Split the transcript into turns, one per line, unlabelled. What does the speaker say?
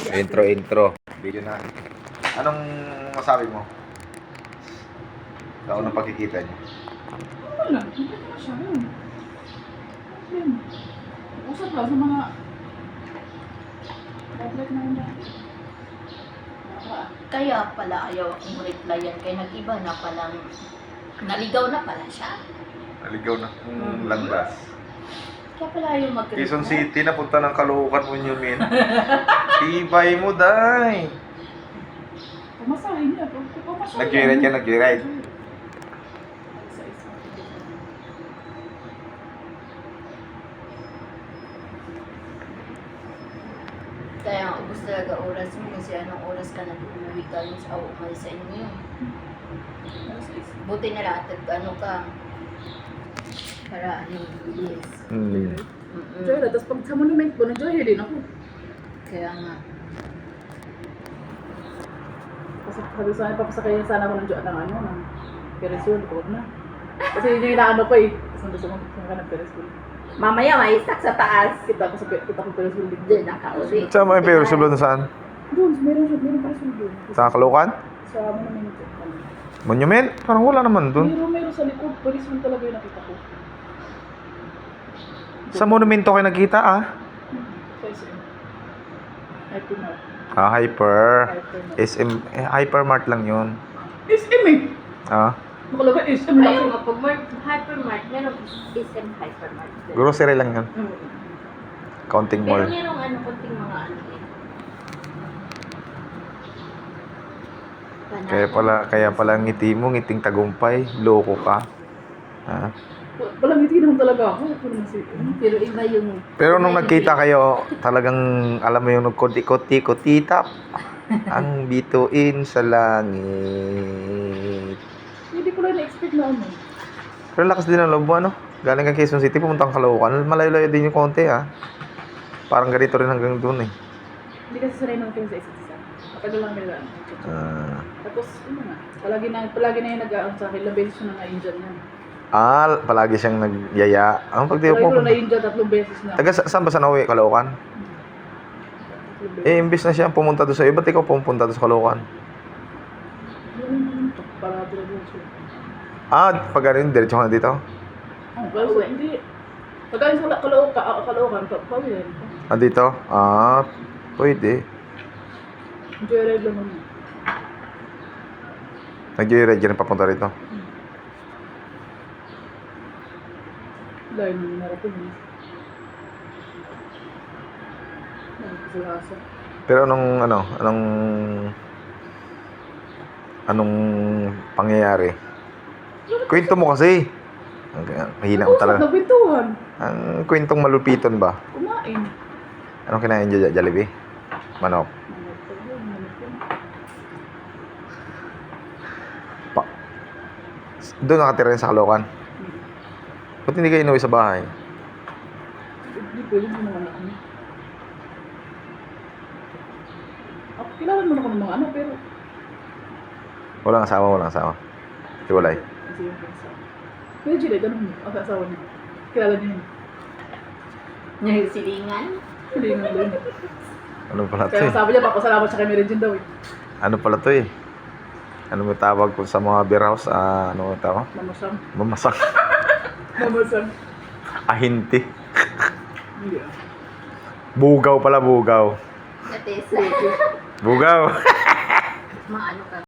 Intro. Video na. Anong masabi mo? Sa unang pagkikita niyo?
Wala, hindi naman siya yun. Yun. Usap lang sa mga tablet na yun dati.
Kaya pala ayaw akong replyan kaya nag-iba na palang naligaw na pala siya.
Naligaw na landas.
Kaya pala ayaw mag-reply.
Quezon City, napunta ng Caloocan mo yun, min. Tibay mo, day.
Pamasahin niya. Pamasahin
Nag-ride ka, nag-ride.
Kaya ang ubos talaga oras mo kasi anong oras ka nag-uwi galing sa umalis sa inyo. Buti na lang at ano ka. Para ano, yes.
Joy, tapos pag sa monument ko, nag-joy din ako.
Kaya nga.
Kasi sabi sa akin, papasakayin sana ako ng joy ng ano, ng Perisol, huwag na. Kasi yun yung inaano ko eh. Kasi gusto ko ng Perisol.
Mamaya may stuck sa taas.
Kita ko Perisol din.
Doon nakauwi.
Saan mo yung Perisol doon saan?
Doon, meron Perisol doon.
Sa Caloocan?
Sa monument ko.
Monument? Parang wala naman doon.
Meron sa likod, Perisol talaga yung nakita ko.
Sa monumento kayo nakita, ah?
Sa SM. Hypermart.
Ah, Hyper.
Hypermart.
SM, Hypermart lang yun.
SM eh!
Ah?
Nakalagay SM lang.
Ayun nga, pag hypermart, meron SM hypermart.
Grocery lang yun. Counting
Pero
mall.
merong ano, konting mga ano eh.
Kaya pala ngiti mo, ngiting tagumpay. Loko ka. Ha?
Walang ngiti naman talaga ako.
Pero iba yung...
Pero nung nagkita kayo, talagang alam mo yung nagkoti-koti-kotitap. Ang bituin sa langit.
Hindi ko lang na-expect na ano.
Pero lakas din ang loob mo, ano? Galing kang Quezon City, pumunta kang Caloocan. Malayo-layo din yung konti, ha? Parang ganito rin hanggang doon, eh.
Hindi kasi sanay naman kayo sa isa't isa. Matagal lang nila. Tapos, ano nga, palagi na yung nag-aam sa akin. Ilang beses ko na na-injure yan.
Palagi siyang nagyaya. Ang pag di
Palagi
po.
ko na na-injure 3 beses na.
Taga saan ba sa nauwi? Caloocan?
3 beses.
Imbis na siya pumunta doon sa iyo, ba't ikaw pumunta doon sa Caloocan?
Para doon siya.
Pag ganun, diretso ka na dito?
Pero hindi. Pagkain sa Caloocan, pawin.
Dito? Pwede.
Joyride lang naman.
Nag-joyride ka rin papunta rito.
Dahil nangyari ko yun. Nagkasalasa.
Pero anong pangyayari? Kwento mo kasi. Ang mahina ko talaga.
Nagpintuhan.
Ang kwentong malupiton ba?
Kumain.
Anong kinain dyan? Jollibee? Manok? Doon nakatira rin sa Caloocan? Ba't hindi kayo inuwi sa bahay?
Hindi pwede mo naman ako. Kailangan mo na ako ng mga pero...
Walang asawa. Hiwalay.
Kasi yung pinsa. Pero Julie, ganun mo. Ang asawa niya. Kilala niya yun.
Yung silingan?
Hindi nga doon.
Ano pala to
Kaya
eh?
sabi niya, papasalamat siya kay Mary Jane daw eh.
Ano pala to eh? Ano mo tawag ko sa mga beer house? Ano mo tawag?
Mamasang.
Mamasak.
Mamasang.
Ahinti.
Hindi ah.
Bugaw pala, bugaw.
That is,
Bugaw.
mga ano ka.